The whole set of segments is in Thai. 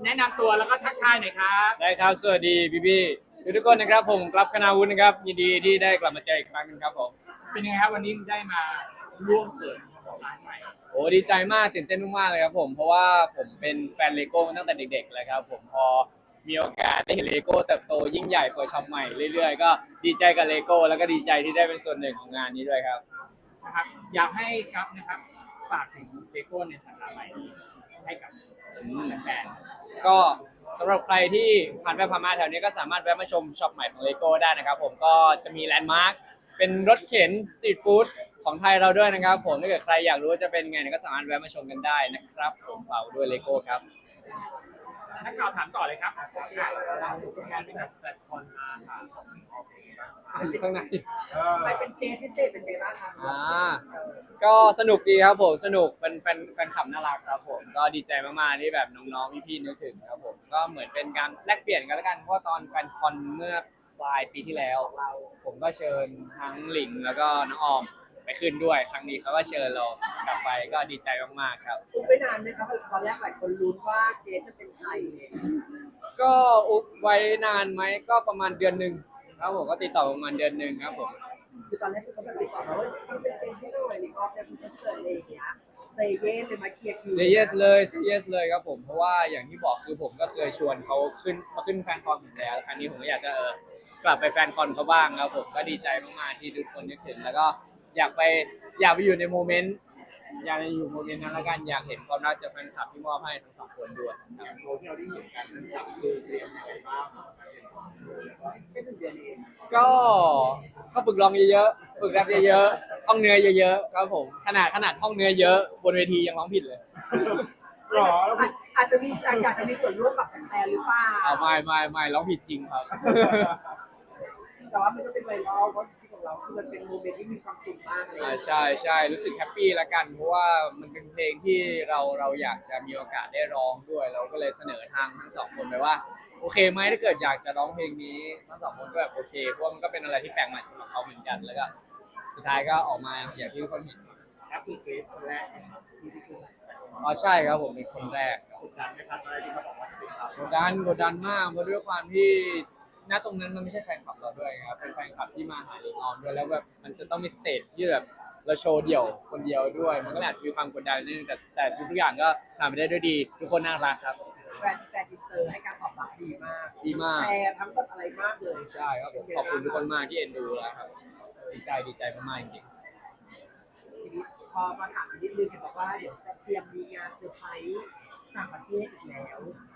แนะนำตัวแล้วก็ทักทายหน่อยครับได้ครับสวัสดีพี่ทุกคนนะครับผมกลับคณาวุฒินะครับยินดีที่ได้กลับมาเจออีกครั้งหนึงครับผมเป็นยังไงครับวันนี้ได้มาร่วมเปิดร้านใหม่โอ้ดีใจมากตื่นเต้นมากๆเลยครับผมเพราะว่าผมเป็นแฟนเลโก้มาตั้งแต่เด็กๆเลยครับผมพอมีโอกาสได้เห็นเลโก้เติบโตยิ่งใหญ่เปิดช็อปใหม่เรื่อยๆก็ดีใจกับเลโก้แล้วก็ดีใจที่ได้เป็นส่วนหนึ่งของงานนี้ด้วยครับนะครับอยากให้ครับนะครับฝากถึงเลโก้ในสาขาใหม่นี้ให้กับแฟนก็สำหรับใครที่ผ่านไปผ่านมาแถวนี้ก็สามารถแวะมาชมช็อปใหม่ของเลโก้ได้นะครับผมก็จะมีแลนด์มาร์คเป็นรถเข็นสตรีทฟู้ดของไทยเราด้วยนะครับผมถ้าเกิดใครอยากรู้ว่าจะเป็นไงก็สามารถแวะมาชมกันได้นะครับผมฝากด้วยเลโก้ครับนักข่าวถามต่อเลยครับล่าสุดก็งานเป็นแบบแฟนคอนมาค่ะอยู่ข้างในไปเป็นเกมพิเศษเป็นไงบ้างครับก็สนุกดีครับผมสนุกเป็นแฟนคลับน่ารักครับผมก็ดีใจมากๆที่แบบน้องๆพี่ๆนึกถึงครับผมก็เหมือนเป็นการแลกเปลี่ยนกันแล้วกันเพราะตอนแฟนคอนเมื่อปลายปีที่แล้วผมก็เชิญทั้งหลิงแล้วก็น้องออมไปขึ้นด้วยครั้งนี้เขาก็เชิญเรากลับไปก็ดีใจมากๆครับอุ๊บไม่นานเลยครับตอนแรกหลายคนลุ้นว่าเกมจะเป็นใครเนี่ยก็อุบไว้นานไหมก็ประมาณเดือนหนึ่งครับผมก็ติดต่อประมาณเดือนหนึ่งครับผมคือตอนแรกที่เขาแบบติดต่อมาว่าทำเป็นเกมที่หน่อยนี่ก็จะเป็นคอนเสิร์ตอะไรอย่างเงี้ยเซเย่เลยมาเคลียร์คิวเซเยสเลยเซเยสเลยครับผมเพราะว่าอย่างที่บอกคือผมก็เคยชวนเขาขึ้นแฟนคอนอยู่แล้วครั้งนี้ผมก็อยากจะกลับไปแฟนคอนเขาบ้างครับผมก็ดีใจมากๆที่ทุกคนนึกถึงแล้วก็อยากไปอยู่ในโมเมนต์อยากอยู่โมเมนต์นั้นละกันอยากเห็นความรักจากแฟนคลับที่มอบให้ทั้งสองคนด้วยอย่างโชว์ที่เราได้เห็นกันนะครับคือเตรียมอะไรบ้างแค่1 เดือนเองก็ฝึกร้องเยอะๆฝึกแรปเยอะๆท่องเนื้อเยอะๆครับผมขนาดท่องเนื้อเยอะบนเวทียังร้องผิดเลยหรออาจจะมีอยากจะมีส่วนร่วมกับแฟนหรือเปล่าไม่ร้องผิดจริงครับแต่ว่ามันก็เป็นไวรัลเพราะที่ของเราคือมันเป็นโมเมนต์ที่มีความสุขมากเลยใช่รู้สึกแฮปปี้ละกันเพราะว่ามันเป็นเพลงที่เราอยากจะมีโอกาสได้ร้องด้วยเราก็เลยเสนอทางทั้งสองคนไปว่าโอเคไหมถ้าเกิดอยากจะร้องเพลงนี้ทั้งสองคนก็แบบโอเคเพราะมันก็เป็นอะไรที่แปลกใหม่สำหรับเขาเหมือนกันแล้วก็สุดท้ายก็ออกมาอย่างที่ทุกคนเห็นครับคือเกรซคนแรกที่ขึ้นอ๋อใช่ครับผมเป็นคนแรกกดดันไหมครับอะไรที่เขาบอกว่าจะเป็นเรากดดันมากเพราะด้วยความที่ณตรงนั้นมันไม่ใช่แฟนคลับเราด้วยครับเป็นแฟนคลับที่มาหาลิงออมด้วยแล้วแบบมันจะต้องมีสเตจที่แบบเราโชว์เดี่ยวคนเดียวด้วยมันก็อาจจะมีความกดดันนิดนึงแต่ทุกอย่างก็ผ่านไปได้ด้วยดีทุกคนน่ารักครับแฟนอินเตอร์ให้การตอบรับดีมากแชร์ทั้งแบบอะไรมากเลยใช่ครับผมขอบคุณทุกคนมากที่เอ็นดูแล้วครับดีใจมากๆจริงทีนี้พอมาถามนิดนึงเห็นบอกว่าเดี๋ยวจะเตรียมมีงานเซอร์ไพรส์ต่างประเทศอีกแล้ว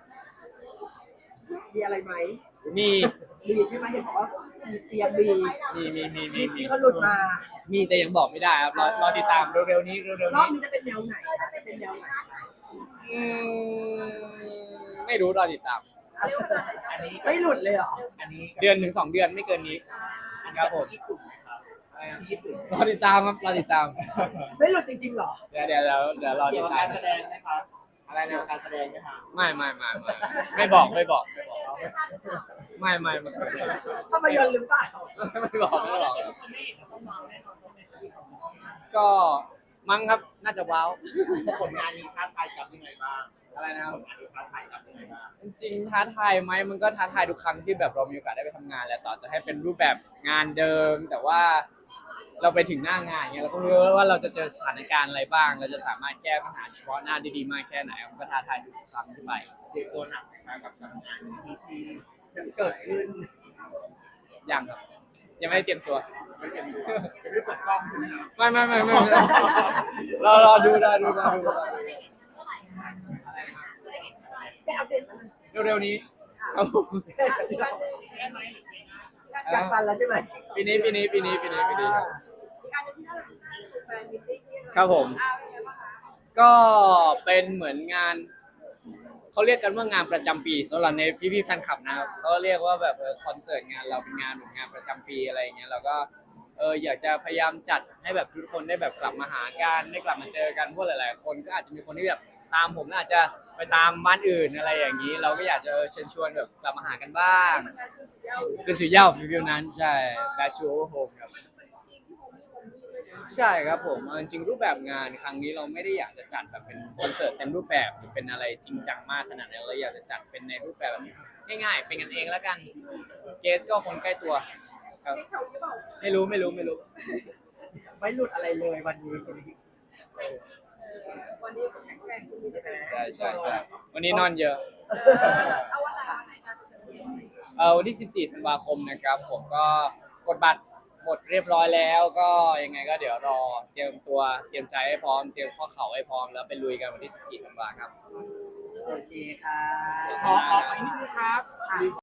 มีอะไรไหมมีใช่ไหมเห็นบอกว่ามีเตรียมมีเขาหลุดมามีแต่ยังบอกไม่ได้ครับรอติดตามเร็วๆนี้รอบนี้จะเป็นแนวไหนจะเป็นแนวไหนไม่รู้รอติดตามไม่หลุดเลยเหรอเดือนถึง2 เดือนไม่เกินนี้ครับผมรอติดตามครับรอติดตามไม่หลุดจริงๆหรอเดี๋ยวรอติดตามการแสดงไหมครับอะไรนะการแสดงไหมครับไม่บอกไม่ภาพยนตร์หรือเปล่าไม่บอกก็มั้งครับน่าจะว้าวผลงานนี้ท้าทายกับยังไงบ้างอะไรนะครับผลงานนี้ท้าทายกับยังไงบ้างจริงท้าทายไหมมันก็ท้าทายทุกครั้งที่แบบเรามีโอกาสได้ไปทำงานแหละต่อจะให้เป็นรูปแบบงานเดิมแต่ว่าเราไปถึงหน้างานเงี้ยเราก็รู้ว่าเราจะเจอสถานการณ์อะไรบ้างเราจะสามารถแก้ปัญหาเฉพาะหน้าได้ดีมากแค่ไหนมันก็ท้าทายทุกครั้งที่ไปเตรียมตัวหนักนะครับกับการงานที่ยังเกิดขึ้นยังครับยังไม่ได้เตรียมตัวไม่เตรียมตัวไม่เปิดกล้องใช่ไหมครับไม่รอดูได้อัปเดตมาเร็วๆนี้อยากฟันแล้วใช่ไหมปีนี้ครับผมก็เป็นเหมือนงานเขาเรียกกันว่างานประจำปีสำหรับในพี่แฟนคลับนะครับเขาเรียกว่าแบบคอนเสิร์ตงานเราเป็นงานประจำปีอะไรอย่างเงี้ยเราก็อยากจะพยายามจัดให้แบบทุกคนได้แบบกลับมาหากันได้กลับมาเจอกันเพราะหลายๆคนก็อาจจะมีคนที่แบบตามผมอาจจะไปตามบ้านอื่นอะไรอย่างนี้เราก็อยากจะเชิญชวนแบบกลับมาหากันบ้างคือสุดยอดฟิวนั้นใช่ Back to Home ครับใช่ครับผมเอาจริงๆรูปแบบงานครั้งนี้เราไม่ได้อยากจะจัดแบบเป็นคอนเสิร์ตเต็มรูปแบบหรือเป็นอะไรจริงจังมากขนาดนั้นเราอยากจะจัดเป็นในรูปแบบแบบง่ายๆเป็นกันเองแล้วกันเกสก็คนใกล้ตัวครับไม่รู้ไม่หลุดอะไรเลยวันนี้วันนี้ก็แข็งแรงคุณใช่ไหมใช่วันนี้นอนเยอะเอาวันไหนกันวันที่14ธันวาคมนะครับผมก็กดบัตรหมดเรียบร้อยแล้วก็ยังไงก็เดี๋ยวรอเตรียมตัวเตรียมใจให้พร้อมเตรียมข้อเข่าให้พร้อมแล้วไปลุยกันวันที่14ธันวาครับโอเคค่ะขออีกนิดนึงครับ